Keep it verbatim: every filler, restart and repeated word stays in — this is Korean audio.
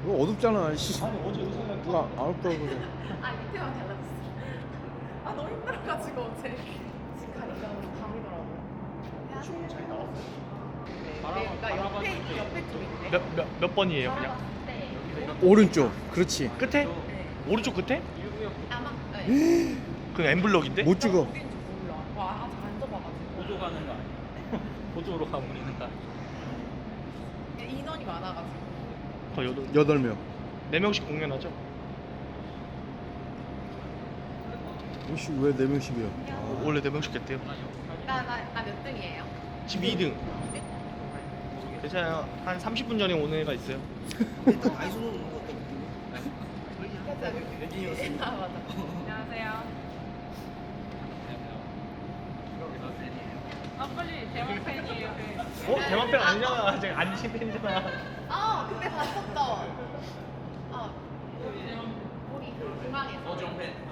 이거 어둡잖아. 씨. 아니 어제 의사가 누가 안 없다고 그래. 아 밑에만 달라졌어. 아 너무 힘들어가지고 어제 집 가니까 밤이더라고요. 좀 잘 나왔어요. 네, 바람- 나 바람 옆에 봤을 때. 옆에 쪽인데. 몇, 몇, 몇 번이에요 그냥? 네. 오른쪽. 그렇지. 끝에? 네. 오른쪽 끝에? 아마 네. 그 엠블럭인데? 못 찍어. 어딘지 몰라. 와 아직 안 접어가지고. 보조 가는 거 아니야? 보조로 가버리는 거 아니야? 인원이 많아가지고. 거 여덟 여덟 명. 네 명씩 공연하죠? 혹시 왜 네 명씩이야? 어, 원래 네 명씩 했대요. 나나나 몇 등이에요? 지금 이 등. 괜찮아요. 한 삼십 분 전에 오는 애가 있어요. 일단 아이소는 오는 것 같다 느낌이. 아 맞아. 안녕하세요. 아 빨리 대박 팬이에요. 어? 대만 팬 아니잖아. 제가 안신 팬이잖아. 아 그때 봤었던. 어. 우리 그 중앙에서. 어정 팬.